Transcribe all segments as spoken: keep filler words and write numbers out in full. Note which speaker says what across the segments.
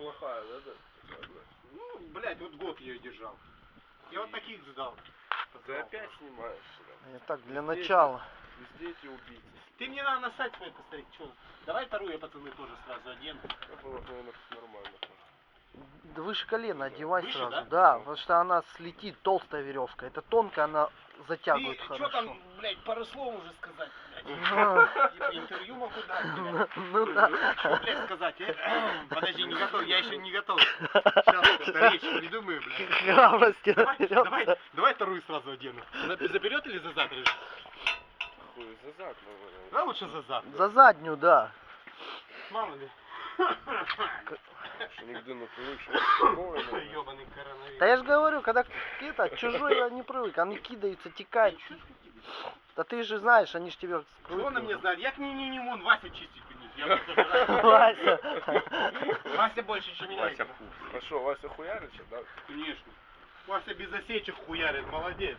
Speaker 1: плохая, да, да?
Speaker 2: Ну, блядь, вот год ее держал. Я вот таких сдал.
Speaker 1: Ты опять снимаешь,
Speaker 3: Я так, для
Speaker 1: Везде
Speaker 3: начала.
Speaker 1: Везде эти убийцы.
Speaker 2: Ты мне надо на сайт свой посмотреть, что? Давай вторую я, пацаны, тоже сразу одену.
Speaker 1: Это было, наверное, нормально.
Speaker 3: Да выше колена одевай
Speaker 2: Выше,
Speaker 3: сразу.
Speaker 2: да?
Speaker 3: Да, потому что она слетит, толстая веревка. Это тонкая, она затягивает
Speaker 2: Ты
Speaker 3: хорошо.
Speaker 2: что там, блядь, пару слов уже сказать, блядь?
Speaker 3: Ну.
Speaker 2: Типа интервью могу дать, блядь.
Speaker 3: Ну да.
Speaker 2: Что, блядь, сказать? э? Подожди, не готов, я еще не готов. Сейчас речь придумаю, блядь.
Speaker 3: Храбрости
Speaker 2: Давай,
Speaker 3: наберется.
Speaker 2: давай, давай вторую сразу одену. За, за вперед или за зад режешь?
Speaker 1: Хуй, за зад, наверное.
Speaker 2: Да, лучше за зад.
Speaker 3: За заднюю, да.
Speaker 2: Мало ли.
Speaker 1: Что нигде на привыкшего.
Speaker 2: Ёбаный коронавирус.
Speaker 3: Да я же говорю, когда это, чужой я не привык, они кидаются, текают. Да ты же знаешь, они же тебе
Speaker 2: Что она мне знает? Я к ней не, не вон Вася чистить у них. Я просто знаю.
Speaker 3: Вася.
Speaker 2: Вася больше, чем меня.
Speaker 1: Вася А что, Вася хуярит, да?
Speaker 2: Конечно. Вася без осечек хуярит, молодец.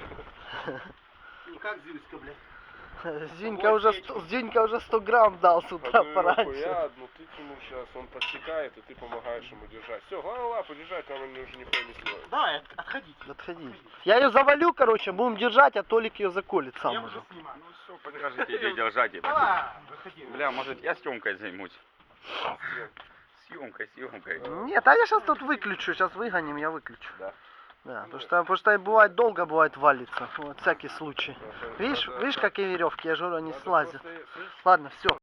Speaker 2: Не как Зиночка, блядь.
Speaker 3: Зинька уже, сто- Зинька уже сто грамм дал с утра
Speaker 1: Одну
Speaker 3: пораньше.
Speaker 1: хуя, одну ты тянул сейчас, он подсекает, и ты помогаешь ему держать. Все, главное лапу держать, там он уже нихуя не сможет.
Speaker 2: Давай, от- отходите.
Speaker 3: Отходи. Я ее завалю, короче, будем держать, а Толик ее заколет сам
Speaker 2: Я
Speaker 3: уже.
Speaker 2: уже снимаю.
Speaker 4: Ну все, покажите, где держать это.
Speaker 2: Давай, выходи.
Speaker 4: Бля, может я съемкой займусь? Съемкой, съемкой.
Speaker 3: Нет, а я сейчас тут выключу, сейчас выгоним, я выключу.
Speaker 4: Да.
Speaker 3: Да, потому что, потому что бывает долго, бывает валится. Вот, всякий случай. Видишь, видишь, какие веревки, я же говорю, они
Speaker 1: Надо
Speaker 3: слазят.
Speaker 1: просто, слышь,
Speaker 3: Ладно, все.